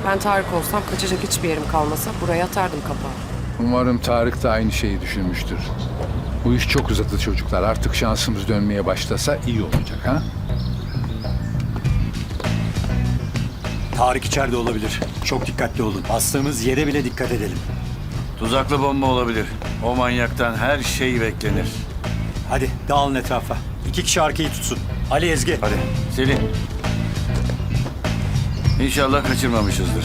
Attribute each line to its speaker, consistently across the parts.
Speaker 1: Ben Tarık olsam kaçacak hiçbir yerim kalmasa buraya atardım kapağı.
Speaker 2: Umarım Tarık da aynı şeyi düşünmüştür. Bu iş çok uzadı çocuklar. Artık şansımız dönmeye başlasa iyi olacak ha?
Speaker 3: Tarık içeride olabilir. Çok dikkatli olun. Bastığımız yere bile dikkat edelim.
Speaker 4: Tuzaklı bomba olabilir. O manyaktan her şey beklenir.
Speaker 3: Hadi dağılın etrafa. 2 kişi arkayı tutsun. Ali, Ezgi.
Speaker 4: Hadi Selin. İnşallah kaçırmamışızdır.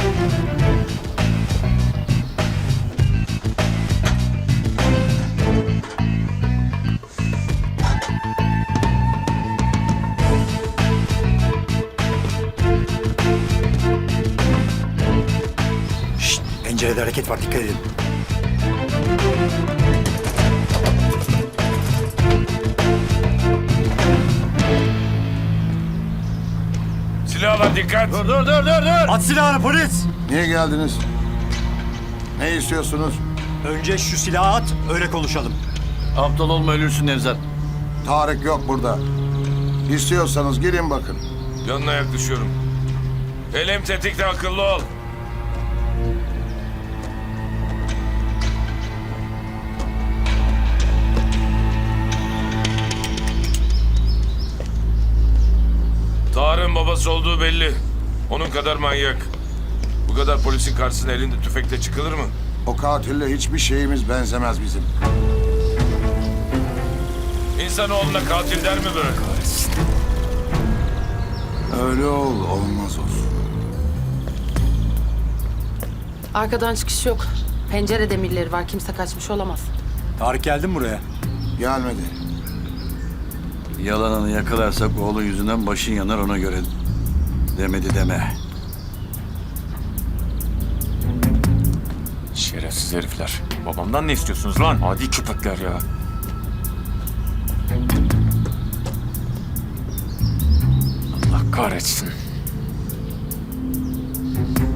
Speaker 3: Şşt, pencerede hareket var, dikkat edin.
Speaker 5: Silah var, dikkat.
Speaker 4: Dur.
Speaker 3: At silahını polis!
Speaker 6: Niye geldiniz? Ne istiyorsunuz?
Speaker 3: Önce şu silahı at, öyle konuşalım.
Speaker 4: Aptal olma, ölürsün Nevzat.
Speaker 6: Tarık yok burada. İstiyorsanız girin bakın.
Speaker 5: Yanına yaklaşıyorum. Elim tetikte, akıllı ol. Tarık'ın babası olduğu belli. Onun kadar manyak. Bu kadar polisin karşısına elinde tüfekle çıkılır mı?
Speaker 6: O katille hiçbir şeyimiz benzemez bizim.
Speaker 5: İnsanoğluna katil der mi böyle?
Speaker 6: Öyle olmaz olsun.
Speaker 1: Arkadan çıkış yok. Pencere demirleri var. Kimse kaçmış olamaz.
Speaker 3: Tarık geldi mi buraya?
Speaker 6: Gelmedi.
Speaker 4: Yalanını yakalarsak oğlu yüzünden başın yanar, ona göre. Demedi deme.
Speaker 7: Şerefsiz herifler. Babamdan ne istiyorsunuz lan? Adi köpekler ya. Allah kahretsin.